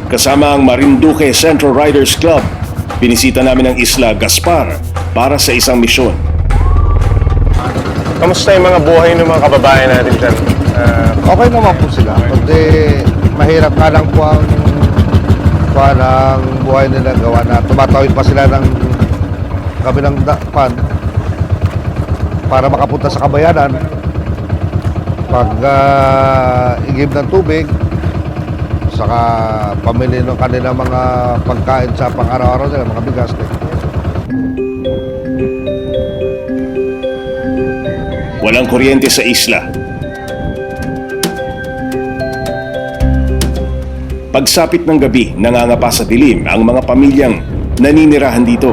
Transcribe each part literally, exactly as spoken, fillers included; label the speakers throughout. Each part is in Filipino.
Speaker 1: Kasama ang Marinduque Central Riders Club, binisita namin ang Isla Gaspar para sa isang misyon.
Speaker 2: Kamusta yung mga buhay ng mga kababayan natin dyan? Uh,
Speaker 3: Okay naman po sila. Kundi mahirap nga lang po ang parang buhay nila gawa na tumatawid pa sila ng kabilang dapan para makapunta sa kabayanan. Pag uh, igib ng tubig, saka pamili ng kanilang mga pagkain sa pang-araw-araw nila, mga bigas.
Speaker 1: Walang kuryente sa isla. Pagsapit ng gabi, nangangapa sa dilim ang mga pamilyang naninirahan dito.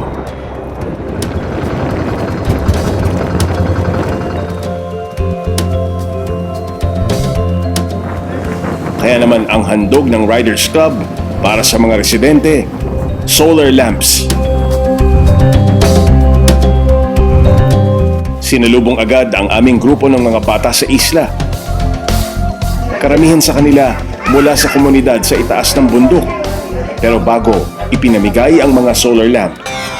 Speaker 1: Kaya naman ang handog ng Riders Club para sa mga residente, solar lamps. Sinalubong agad ang aming grupo ng mga bata sa isla. Karamihan sa kanila mula sa komunidad sa itaas ng bundok. Pero bago, ipinamigay ang mga solar lamp.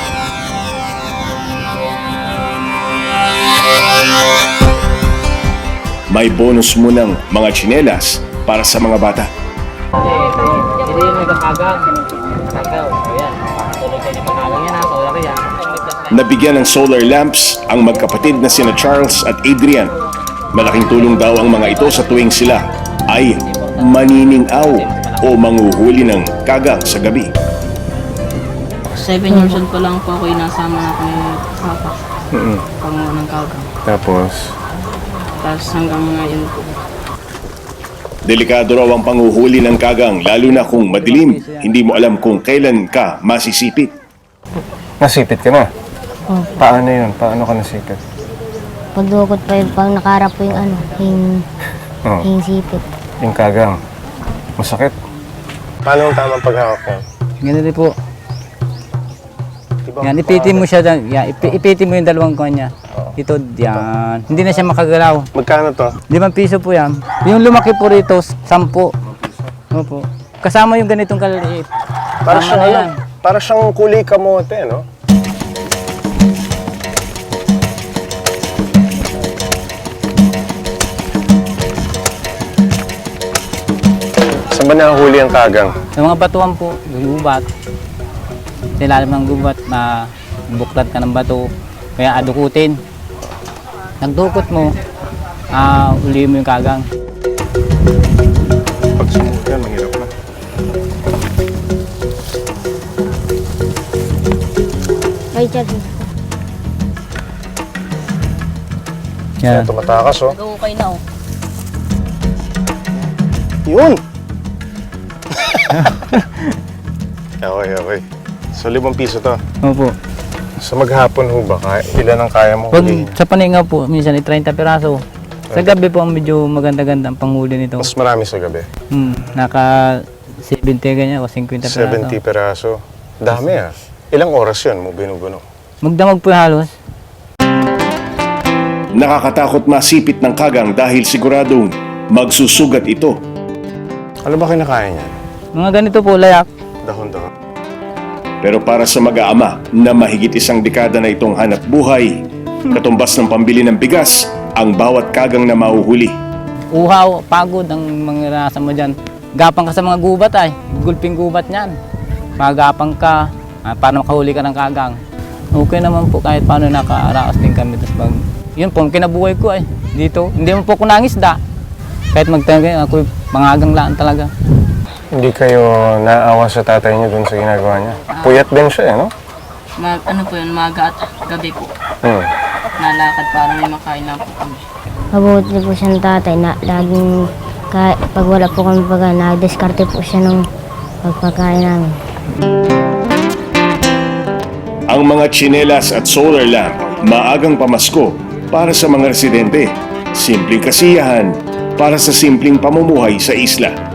Speaker 1: May bonus munang mga tsinelas para sa mga bata.
Speaker 4: Hindi yung nagkakagang. Nagkakaw. Ayan. Tuloy kayo ng pangalang yan ha. Solar yan.
Speaker 1: Nabigyan ng solar lamps ang magkapatid na sina Charles at Adrian. Malaking tulong daw ang mga ito sa tuwing sila ay maniningaw o manghuhuli ng kagang sa gabi.
Speaker 5: Seven years old pa lang po ako, inasama na ako ni Papa.
Speaker 2: mm-hmm.
Speaker 5: Panguha ng kagang.
Speaker 2: Tapos,
Speaker 5: Tapos hanggang ngayon po.
Speaker 1: Delikado raw ang panghuhuli ng kagang lalo na kung madilim. Hindi mo alam kung kailan ka masisipit.
Speaker 2: nasipit ka na?
Speaker 6: Oh.
Speaker 2: Paano yun? Paano ka nasipit?
Speaker 6: Pagdukot pa yung pang nakarap po yung ano, yung,
Speaker 2: Oh,
Speaker 6: yung sipit.
Speaker 2: yung kagang. Masakit. Paano ang tamang paghawak yan?
Speaker 7: Ganun din po.
Speaker 2: Diba,
Speaker 7: Yan, ipitin mo siya dyan. Yan, ipi, ipitin mo yung dalawang kanya. Ito, yan. Hindi na siya makagalaw.
Speaker 2: Magkano to?
Speaker 7: Limang piso po yan. Yung lumaki po rito, sampu. Opo. Kasama yung ganitong kaliliit.
Speaker 2: Para
Speaker 7: Tama
Speaker 2: siyang,
Speaker 7: na
Speaker 2: ano,
Speaker 7: yan.
Speaker 2: para siyang kulay kamote, no? Saan ba nahuli ang kagang?
Speaker 7: Sa mga batuan po, gubat. Sa ilalim ng gubat, na buklat ka ng bato, kaya adukutin. Nagdukot mo, ah, uli mo yung kagang.
Speaker 2: Pag sumulog yan, mahirap na.
Speaker 6: Richard,
Speaker 2: Kaya
Speaker 7: Yan.
Speaker 2: tumatakas, oh.
Speaker 5: Okay na oh.
Speaker 2: Yun! okay, okay. So, limang piso to.
Speaker 7: Opo.
Speaker 2: Sa maghapon ho ba? Kaya, ilan ang kaya mo
Speaker 7: Pag
Speaker 2: hulihin?
Speaker 7: sa paningaw po, minsan ay thirty piraso. Sa gabi po, medyo maganda-ganda ang panghuli nito.
Speaker 2: Mas marami sa gabi.
Speaker 7: Hmm, naka seventy ganyan o fifty piraso.
Speaker 2: seventy peraso. Dami ah. Ilang oras yun mo binubuno?
Speaker 7: Magdamag po halos.
Speaker 1: Nakakatakot masipit ng kagang dahil siguradong magsusugat ito.
Speaker 2: Ano ba kinakain niya?
Speaker 7: Mga ganito po, layak.
Speaker 2: Dahon-dahon.
Speaker 1: Pero para sa mag-aama na mahigit isang dekada na itong hanap buhay, katumbas ng pambili ng bigas ang bawat kagang na mahuhuli.
Speaker 7: Uhaw, pagod ang mga rasa mo dyan. Gapang ka sa mga gubat ay. Gulping gubat niyan. Magapang ka ah, para makahuli ka ng kagang. Okay naman po kahit paano nakaraos din kami. Tapos pag, yun po, kinabuhay ko ay dito. Hindi mo po ako nangisda. Kahit magtayo ako pangagang laan talaga.
Speaker 2: Hindi kayo naawa sa tatay niyo dun sa ginagawa niya? Puyat din siya, eh, no?
Speaker 5: Mag, ano po yun, maga at gabi po.
Speaker 2: Hmm.
Speaker 5: Nalakad para may makain lang po kami.
Speaker 6: mabuti po siya ng tatay na laging, kahit pag wala po kami baga, nag-diskarte po siya ng pagpakain namin.
Speaker 1: Ang mga tsinelas at solar lamp, maagang pamasko para sa mga residente. Simpleng kasiyahan para sa simpleng pamumuhay sa isla.